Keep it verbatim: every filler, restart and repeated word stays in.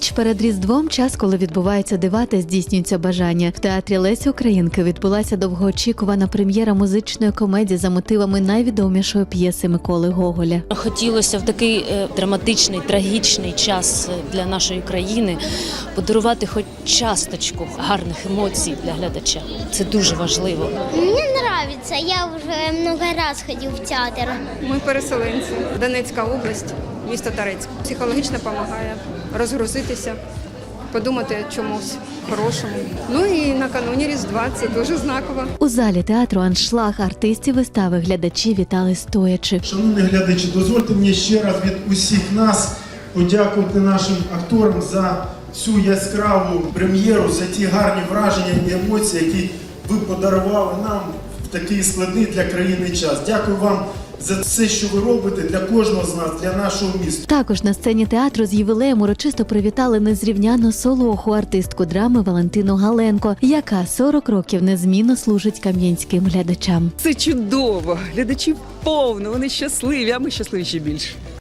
Ніч перед Різдвом – час, коли відбуваються дива та здійснюються бажання. В театрі Лесі Українки відбулася довгоочікувана прем'єра музичної комедії за мотивами найвідомішої п'єси Миколи Гоголя. Хотілося в такий е, драматичний, трагічний час для нашої країни подарувати хоч часточку гарних емоцій для глядача. Це дуже важливо. Мені подобається, я вже много раз ходив в театр. Ми переселенці. Донецька область, місто Торецьк. Психологічно допомагає розгрузитися, подумати чомусь хорошому. Ну і накануні Різдва це дуже знаково. У залі театру «Аншлаг» артистів вистави глядачі вітали стоячи. Шановні глядачі, дозвольте мені ще раз від усіх нас подякувати нашим акторам за цю яскраву прем'єру, за ті гарні враження і емоції, які ви подарували нам в такий складний для країни час. Дякую вам за все, що ви робите для кожного з нас, для нашого міста. Також на сцені театру з ювілеєм урочисто привітали незрівняну солоху, артистку драми Валентину Галенко, яка сорок років незмінно служить кам'янським глядачам. Це чудово! Глядачів повно, вони щасливі, а ми щасливі ще більше.